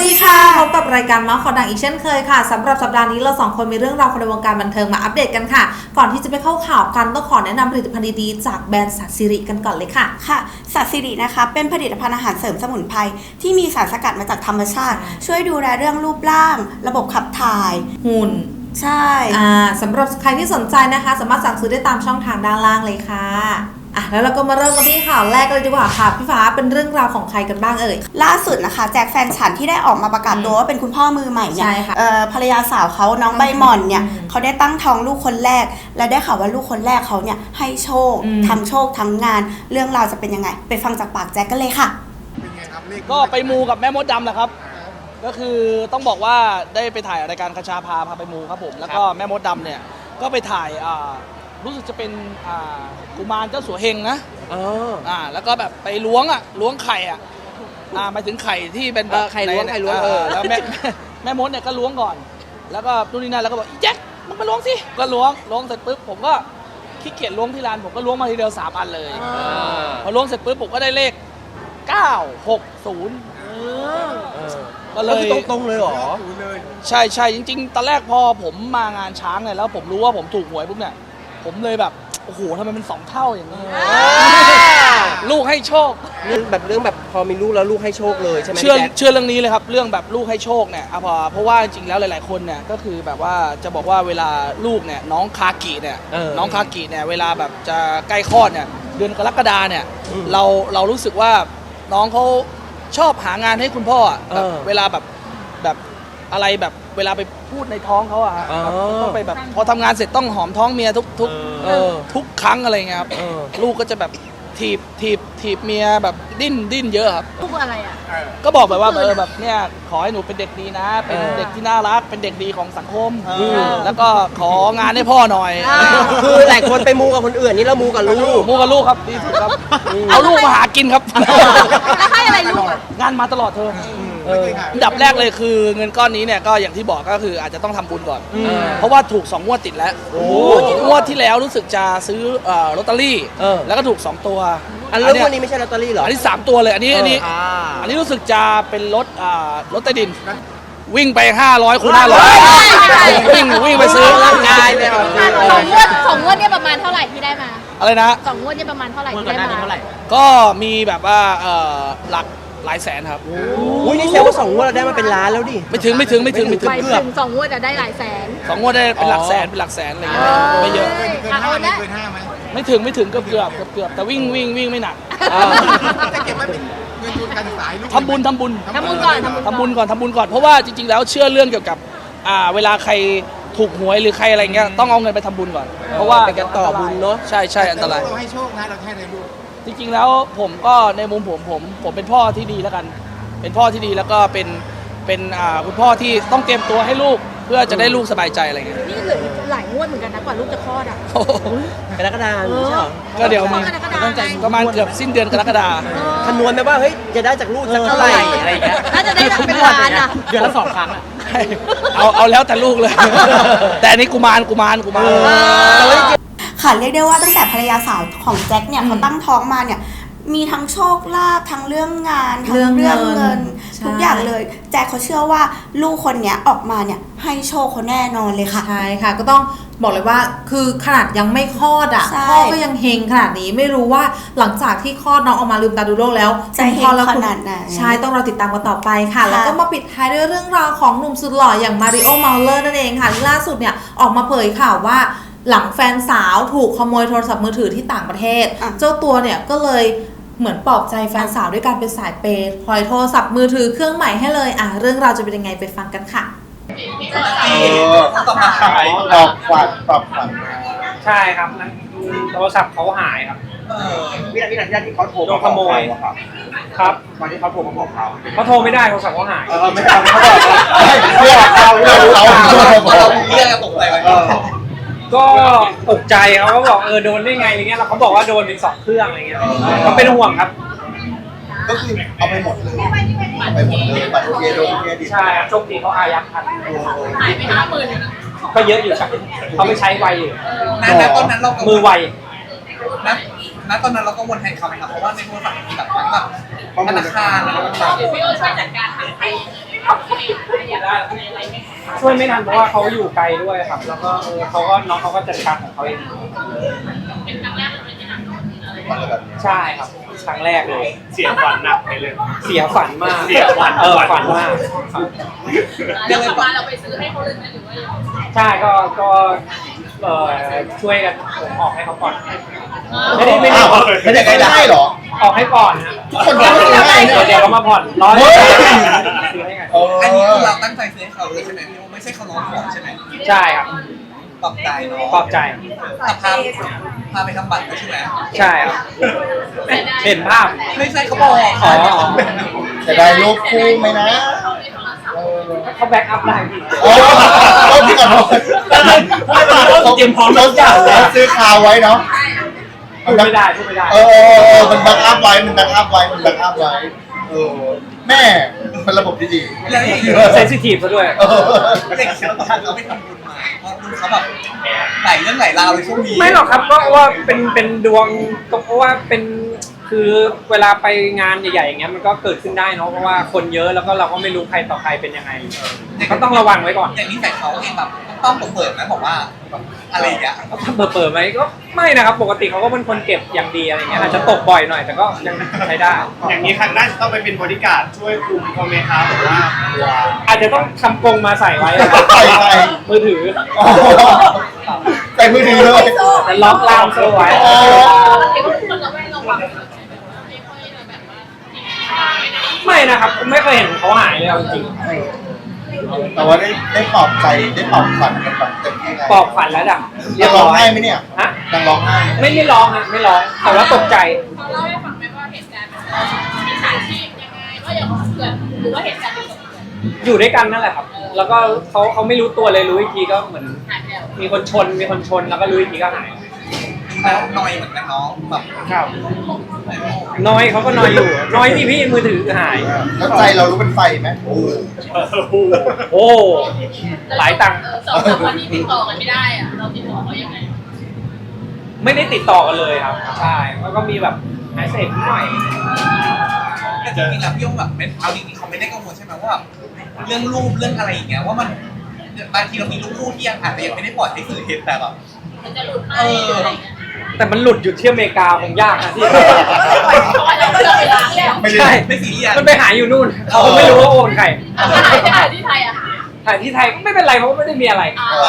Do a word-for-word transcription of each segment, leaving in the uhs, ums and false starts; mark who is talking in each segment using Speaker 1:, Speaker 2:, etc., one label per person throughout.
Speaker 1: ดีค่ะพบกับรายการเมาส์ข่าวดังอีกเช่นเคยค่ะสำหรับสัปดาห์นี้เราสองคนมีเรื่องราวในวงการบันเทิงมาอัปเดตกันค่ะก่อนที่จะไปเข้าข่าวกันต้องขอแนะนำผลิตภัณฑ์ดีๆจากแบรนด์สัตสิริกันก่อนเลยค่ะ
Speaker 2: ค่ะสัตสิรินะคะเป็นผลิตภัณฑ์อาหารเสริมสมุนไพรที่มีสารสกัดมาจากธรรมชาติช่วยดูแลเรื่องรูปร่างระบบขับถ่าย
Speaker 1: หุ่น
Speaker 2: ใช่
Speaker 1: อ่าสำหรับใครที่สนใจนะคะสามารถสั่งซื้อได้ตามช่องทางด้านล่างเลยค่ะอ่ะแล้วเราก็มาเริ่มกันที่ข่าวแรกเลยดีกว่าค่ะพี่ฟ้าเป็นเรื่องราวของใครกันบ้างเอ่ย
Speaker 2: ล่าสุดนะคะแจ็คแฟนฉันที่ได้ออกมาประกาศตัวว่าเป็นคุณพ่อมือใหม่เนี่ยภรรยาสาวเขาน้องใบหม่อนเนี่ยเขาได้ตั้งท้องลูกคนแรกและได้ข่าวว่าลูกคนแรกเขาเนี่ยให้โชคทั้งโชคทั้งงานเรื่องราวจะเป็นยังไงไปฟังจากปากแจ็คกันเลยค่ะ
Speaker 3: ก็ไปมูกับแม่มดดำแหละครับก็คือต้องบอกว่าได้ไปถ่ายรายการคชาพาพาไปมูครับผมแล้วก็แม่มดดำเนี่ยก็ไปถ่ายรู้สึกจะเป็นกุมารเจ้าสัวเฮงนะอ่าแล้วก็แบบไปล้วงอ่ะล้วงไข่อ่ะอ่าหมายถึงไข่ที่เป็นแบบ
Speaker 4: ไข่ล้วงไข่ล้วงเออ
Speaker 3: แล้วแม่แม่มดเนี่ยก็ล้วงก่อนแล้วก็นู่นนี่นั่นแล้วก็บอกอีแจ็คมึงมาล้วงสิก็ล้วงล้วงเสร็จปุ๊บผมก็ขี้เกียจล้วงที่ร้านผมก็ล้วงมาทีเดียวสามอันเลยพอล้วงเสร็จปุ๊บผมก็ได้เลขเก้าหกศูนย์ก็เลย
Speaker 4: ตรงๆเลยเหรอ
Speaker 3: ใช่ใช่จริงๆตอนแรกพอผมมางานช้างเนี่ยแล้วผมรู้ว่าผมถูกหวยปุ๊บเนี่ยผมเลยแบบโอ้โหทำไมเป็นสองเท่าอย่างนี้ลูกให้โชค
Speaker 4: เรื่องแบบเรื่องแบบพอมีลูกแล้วลูกให้โชคเลยใช่ไหม
Speaker 3: เชื่อเชื่อเรื่องนี้เลยครับเรื่องแบบลูกให้โชคเนี่ยเพราะเพราะว่าจริงๆแล้วหลายๆคนเนี่ยก็คือแบบว่าจะบอกว่าเวลาลูกเนี่ยน้องคากิเนี่ยน้องคากิเนี่ยเวลาแบบจะใกล้คลอดเนี่ยเดือนกรกฎาเนี่ยเราเรารู้สึกว่าน้องเขาชอบหางานให้คุณพ่อแบบเวลาแบบแบบอะไรแบบเวลาไปพูดในท้องเขาอะต้องไปแบบพอทำงานเสร็จต้องหอมท้องเมียทุกทุกทุกครั้งอะไรเงี้ยครับลูกก็จะแบบถีบถีบถีบเมียแบบดิ้นดิ้นเยอะครับ
Speaker 5: ลูกอะไรอ่ะ
Speaker 3: ก็บอกแบบว่าเออแบบเนี่ยขอให้หนูเป็นเด็กดีนะเป็นเด็กที่น่ารักเป็นเด็กดีของสังคมแล้วก็ของานให้พ่อหน่อย
Speaker 4: คือหลายคนไปมูกับคนอื่นนี่เรามูกับลูก
Speaker 3: มูกับลูกครับดีสุดครับเอาลูกมาหากินครับ
Speaker 5: แล้วให้อะไรลูก
Speaker 3: งานมาตลอดเธออันดับแรกเลยคือเงินก้อนนี้เนี่ยก็อย่างที่บอกก็คืออาจจะต้องทำบุญก่อนเพราะว่าถูกสองงวดติดแล้วงวดที่แล้วรู้สึกจะซื้อลอตเตอรี่แล้วก็ถูกสองตัว
Speaker 4: อันเรื่องวันนี้ไม่ใช่ลอตเตอรี่หรอ
Speaker 3: อันนี้สามตัวเลยอันนี้อันนี้อันนี้รู้สึกจะเป็นรถรถใต้ดินวิ่งไปห้าร้อยคูณห้าร้อยวิ่งวิ่งไปซื้อร่างกายไป
Speaker 5: สองงวดสองงวดเนี่ยประมาณเท่าไหร่ที่ได้มา
Speaker 3: อะไรนะ
Speaker 5: สองงวดเนี่ยประมาณเท่าไหร่ที่ได้มา
Speaker 3: ก็มีแบบว่าหลักหลายแสนครับ
Speaker 4: อุ้ยนี่แสดงว่าสองงวดเราได้มาเป็นล้านแล้วดิ
Speaker 3: ไม่ถึงไม่ถึงไม่ถึงไม่ถึง
Speaker 5: เกือบสองงวดจะได้หลายแสน
Speaker 3: สองงวดได้เป็นหลักแสนเป็นหลักแสนอะไรเงี้ยไม่เยอะ
Speaker 5: เกินห้าไหมเกินห้าไหม
Speaker 3: ไม่ถึงไม่ถึงเกือบเกือบเกือบแต่วิ่งวิ่งวิ่งไม่หนัก
Speaker 6: จะเก็บไว้เป็นเงินทุนการศึกษาลูก
Speaker 3: ทำบุญทำบุญ
Speaker 5: ทำบุญก่อน
Speaker 3: ทำบุญก่อนทำบุญก่อนเพราะว่าจริงๆแล้วเชื่อเรื่องเกี่ยวกับอ่าเวลาใครถูกหวยหรือใครอะไรเงี้ยต้องเอาเงินไปทำบุญก่อนเพราะว่า
Speaker 4: เป็นการต่อบุญเนาะ
Speaker 3: ใช่ใช่อันตราย
Speaker 6: เราให้โชคนะเราให้ในลูก
Speaker 3: จริงๆแล้วผมก็ในมุมผมผมผมเป็นพ่อที่ดีแล้วกันเป็นพ่อที่ดีแล้วก็เป็นเป็นอ่าคุณพ่อที่ต้องเตรียมตัวให้ลูกเพื่อจะได้ลูกสบายใจอะไรเงี้ย
Speaker 5: นี่เหลือหลายงวดเหมือนกันนะกว่าลูกจะคลอดอ่ะ
Speaker 4: กรกฎาคมใช่หรอ
Speaker 3: ก็เดี๋ยวมีประมาณเกือบสิ้นเดือนกรกฎาคม
Speaker 4: คำนวณไหมว่าเฮ้ยจะได้จากลูกสักเท่าไหร่อะไรเงี้ย
Speaker 5: น่าจะได้เป็นล้านอ่ะ
Speaker 4: เดือนละสองครั้งอ่ะ
Speaker 3: เอาเอาแล้วแต่ลูกเลยแต่อันนี้กุมารกุมารกุมาร
Speaker 2: ค่ะเรียกได้ว่าตั้งแต่ภรรยาสาวของแจ็คเนี่ยเขาตั้งท้องมาเนี่ยมีทั้งโชคลาภทั้งเรื่องงานทั้งเรื่องเงินทุกอย่างเลยแจ็คเขาเชื่อว่าลูกคนนี้ออกมาเนี่ยให้โชคเขาแน่นอนเลยค่ะ
Speaker 1: ใช่ค่ะก็ต้องบอกเลยว่าคือขนาดยังไม่คลอดอ่ะพ่อก็ยังเฮงขนาดนี้ไม่รู้ว่าหลังจากที่คลอดน้องออกมาลืมตาดูโลกแล้ว
Speaker 2: จะเฮงขนาดไหน
Speaker 1: ใช่ต้องรอติดตามกันต่อไปค่ะแล้วก็มาปิดท้ายด้วยเรื่องราวของหนุ่มสุดหล่ออย่างมาริโอเมาเลอร์นั่นเองค่ะล่าสุดเนี่ยออกมาเผยข่าวว่าหลังแฟนสาวถูกขโมยโทรศัพท์มือถือที่ต่างประเทศเจ้าตัวเนี่ยก็เลยเหมือนปลอบใจแฟนสาวด้วยการเป็นสายเปย์ปล่อยโทรศัพท์มือถือเครื่องใหม่ให้เลยอ่ะเรื่องราวจะเป็นยังไงไปฟังกันค่ะ
Speaker 6: เออตอบขายตอบฝันตอบฝัน
Speaker 7: ใช่ครับนั่นโทรศัพท์เขาหายครับ
Speaker 6: วินาทีนั้นที่เขาโทร
Speaker 7: มาขโมยครับ
Speaker 6: ตอนที่เขาโทรมาบอกเขา
Speaker 7: เขาโทรไม่ได้โทรศัพท์เขาหาย
Speaker 6: เออไม่ได้เขาบอกเขาเราเราเราเรียกตกใจไป
Speaker 7: ก็ตกใจเขาก็บอกเออโดนได้ไงอะไรเงี้ยแล้วเขาบอกว่าโดนถึงสองเครื่องอะไรเงี้ยเขาเป็นห่วงครับ
Speaker 6: ก็คือเอาไปหมดเลยเอาไปหมดเลยบัตรเครดิตเครดิต
Speaker 7: ใช่ครับโชคดีเขาอายัดทัน
Speaker 5: หายไปห้าหมื่น
Speaker 7: ก็เยอะอยู่ครับเขาไม่ใช้ไวอยู่
Speaker 6: นั้นตอนนั้นเรา
Speaker 7: มือไว
Speaker 6: นะ
Speaker 8: ณตอนนั้นเราก็วนแทนเขาไหมครับเพราะว่าในโทรศัพท์มีแบบทั้งแบบธนาคารแล้วก็ต่าง
Speaker 5: พี่โอช่วยจัดการทางไทยอะไรไหม
Speaker 7: ช่วยไม่ทันเพราะว่าเขาอยู่ไกลด้วยครับ แล้วก็เออเขาก็น้องเขาก็จัดการของเขาเอง
Speaker 5: เป็นครั้งแรกเลยที่นั่งอะไร
Speaker 6: อะไรแบบนี้
Speaker 7: ใช่ครับครั้งแรกเลย
Speaker 9: เสียฝันหนักไปเลย
Speaker 7: เสียฝันมาก
Speaker 9: เสียฝัน
Speaker 7: เออฝันมากครับ
Speaker 5: แล้วกลับมาเราไปซื้อให้เขาเลยไหมหรือว่ายังไง
Speaker 7: ใช่ก็ก็เออช่วยกันผมออกให้เขาก่อนไม่ได้ไม่ได้
Speaker 6: อ้าวไม่ได้ได้เหรอ
Speaker 7: ออกให้ก่อนนะ
Speaker 6: ทุกคนก็ไม่ได้ให้เนี่ย
Speaker 7: เดี๋ยวเขามาผ่อนร้อย
Speaker 6: เฮ้ย
Speaker 7: ซื้อให้กัน
Speaker 6: เออ
Speaker 8: อันนี้คือเราตั้งใจซื้อให้เขาเลยใช่ไหมพี่โอไม่ใช่เขาร้องขอใช่ไหม
Speaker 7: ใช่ครับ
Speaker 8: ปรับใจเนาะ
Speaker 7: ปลอบใจ
Speaker 8: แต่พาพาไปทำบัตรด้วยใช่ไหม
Speaker 7: ใช่ครับเห็นภาพ
Speaker 8: ไม่ใช่เขาบอก
Speaker 7: อ๋ออ๋อ
Speaker 6: จะได้รูปคู่ไหมนะเออ
Speaker 7: เขาแบ็กอัพได้พี่
Speaker 6: โอ้โหที่ก่อนเขาเตรียมพร้อมทุกอย่างแล้วซื้อคาวไว้เนาะ
Speaker 7: พูดไม่ได้พูดไม่ได้
Speaker 6: เออมันแบ็กอัพไว้มันแบ็กอัพไว้มันแบ็กอัพไว้เออแม่เป็นระบบที่ดี
Speaker 8: แล้วอย่างนี้
Speaker 7: เซนซิทีฟซะด้วย
Speaker 6: เออ
Speaker 8: เด็กเชียวตอนเขาไปทำบุญมาเพราะดูเขาแบบไหลเรื่องไหลราวเลยช่วงนี้
Speaker 7: ไม่หรอกครับก็ว่าเป็นเป็นดวงก็เพราะว่าเป็นคือเวลาไปงานใหญ่ๆอย่างเงี้ยมันก็เกิดขึ้นได้เนาะเพราะว่าคนเยอะแล้วก็เราก็ไม่รู้ใครต่อใครเป็นยังไงก็ต้องระวังไว้ก่อน
Speaker 8: อย่างนี้แต่เขาเองแบบต้องเปิดไหมบอกว่าแบบอะไรอย่างเงี้ย
Speaker 7: ถ้าเปิดเปิดไหมก็ไม่นะครับปกติเขาก็เป็นคนเก็บอย่างดีอะไรเงี้ยอาจจะตกบ่อยหน่อยแต่ก็ยังใช้ได้
Speaker 9: อย่างนี้ครั้งหน้าจะต้องไปเป็นบริการดช่วยคุมเขาไหมครับหรือว่า
Speaker 7: อาจจะต้องทำกรงมาใส่ไว้นะครับ
Speaker 6: ใส่ใส่
Speaker 7: มือถือ
Speaker 6: อ๋อใส่มือถือเลย
Speaker 7: แต่ล็อกล่ามโซ่ไว้
Speaker 6: อ๋อ
Speaker 5: เด็กคนเราไม่ระวังไม่ค่อยแบบว่า
Speaker 7: ไม่นะครับไม่เคยเห็นเขาหายเลยเอาจริง
Speaker 6: แต่ว่าได้ได้ปลอบใจได้ปลอบขวัญกันแบบเต็มที่ไง
Speaker 7: ปลอบขวัญแล้วดับ
Speaker 6: ยังร้องไห้ไหมเนี่ย
Speaker 7: ฮะ
Speaker 6: ยังร้องไห้ไหม
Speaker 7: ไม่ไม่ร้องฮะไม่ร้องแต่ว่าตกใจ
Speaker 5: เขาเล่าให้ฟังไหมว่าเหตุการณ์มันมีสาชีพยังไงว่าอย่างเกิดหรือว่าเหตุการณ์เดียวกับเกิด
Speaker 7: อยู่ด้วยกันนั่นแหละครับ แล้วก็เขาเขาไม่รู้ตัวเลยรู้อีกทีก็เหมือน
Speaker 5: หายไปแล้ว
Speaker 7: มีคนชนมีคนชนแล้วก็รู้อีกทีก็หาย
Speaker 8: แล้วนอยเหมือนกันน้องแบบ
Speaker 7: ครับน้อยเขาก็น้อยอยู่ น้อยที่พี่มือถือหาย
Speaker 6: แล้วใจเรารู้เป็นไฟไหมโอ้
Speaker 7: โอ้หลายตังค์
Speaker 5: เออสองสามวันนี้ติดต่อกันไม่ได้อะเราติดต่อเขายังไง
Speaker 7: ไม่ได้ติดต่อกันเลยครับ ใช่แล้วก็มีแบบหายเสร็จหน่อย
Speaker 8: แต่จริงๆแล้วพี่โอแบบเป็นเอาจริงๆเขาไม่ได้กังวลใช่ไหมว่าแบบเรื่องรูปเรื่องอะไรอย่างเงี้ยว่ามันบางทีเรามีรูปคู่ที่ยังอาจจะยังไม่ได้ปล่อยให้สื่อเห็นแต่แบบ
Speaker 5: มันจะหลุดไหมหรืออะไรเงี้ย
Speaker 7: แต่มันหลุดอยู่ที่อเมริกาคงยากนะที่
Speaker 5: เราไม่ได้ไปล้างแล้ว
Speaker 6: ไม่ได้
Speaker 7: ใช่
Speaker 8: ไม่ซีเรียส
Speaker 7: มันไปหาอยู่นู่นเขาก็ไม่รู้ว่าโอนใคร
Speaker 5: ถ้าหายไปหาที่ไทยอะ
Speaker 7: ถ่ายที่ไทยก็ไม่เป็นไรเพราะว่าไม่ได้มีอะไร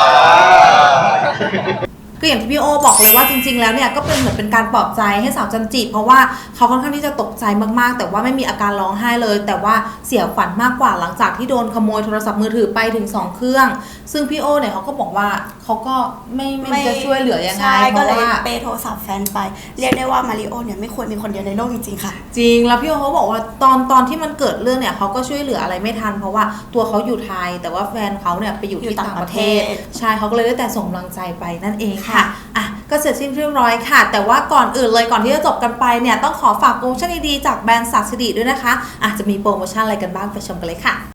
Speaker 1: ก็อย่างที่พี่โอบอกเลยว่าจริงๆแล้วเนี่ยก็เป็นเหมือนเป็นการปลอบใจให้สาวจันจิเพราะว่าเขาค่อนข้างที่จะตกใจมากๆแต่ว่าไม่มีอาการร้องไห้เลย แต่ว่าเสียขวัญมากกว่าหลังจากที่โดนขโมยโทรศัพท์มือถือไปถึงสองเครื่องซึ่งพี่โอเนี่ยเขาก็บอกว่าเขาก็ไม่ไม่จะช่วยเหลือยังไง
Speaker 2: ใช่
Speaker 1: เพ
Speaker 2: ก็
Speaker 1: ราะ
Speaker 2: เลย
Speaker 1: ว่า
Speaker 2: เปย์โทรศัพท์แฟนไป เรียกได้ว่ามาริโอเนี่ยไม่ควรมีคนเดียวในโลกจริงๆค่ะ
Speaker 1: จริงแล้วพี่โอเขาบอกว่าตอนตอนที่มันเกิดเรื่องเนี่ยเขาก็ช่วยเหลืออะไรไม่ทัน เพราะว่าตัวเขาอยู่ไทย แต่ว่าแฟนเขาเนี่ยไปอยู่ที่ต่างประเทศ
Speaker 2: อยู่ต่างประเทศ
Speaker 1: ใช่เขาก็เลยได้แต่ส่งกำลังใจไปนั่นเองค่ะ
Speaker 2: ค่ะ
Speaker 1: อ่ะก็เสร็จสิ้นเรียบร้อยค่ะ แต่ว่าก่อนอื่นเลยก่อนที่จะจบกันไปเนี่ยต้องขอฝากโปรโมชั่นดีๆจากแบรนด์ศักดิ์สิริด้วยนะคะอาจจะมีโปรโมชั่นอะไรกันบ้างไปชมกันเลยค่ะ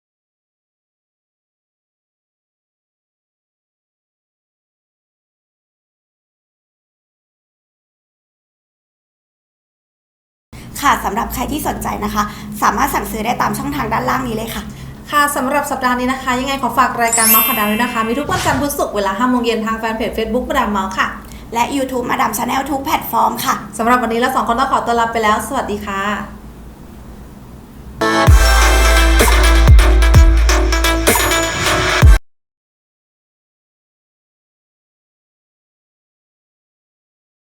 Speaker 2: ค่ะสำหรับใครที่สนใจนะคะ สามารถสั่งซื้อได้ตามช่องทางด้านล่างนี้เลยค่ะ
Speaker 1: ค่ะสำหรับสัปดาห์นี้นะคะยังไงขอฝากรายการเมาส์ข่าวดังด้วยนะคะมีทุกวันจันทร์พุธศุกร์เวลาห้าโมงเย็นทางแฟนเพจ Facebook มาดามเมาส์ค่ะ
Speaker 2: และ YouTube มาดามชาแนลทุกแพลตฟอร์มค่ะ
Speaker 1: สำหรับวันนี้เราสองคนต้องขอตัวลาไปแล้วสวัสดีค่ะ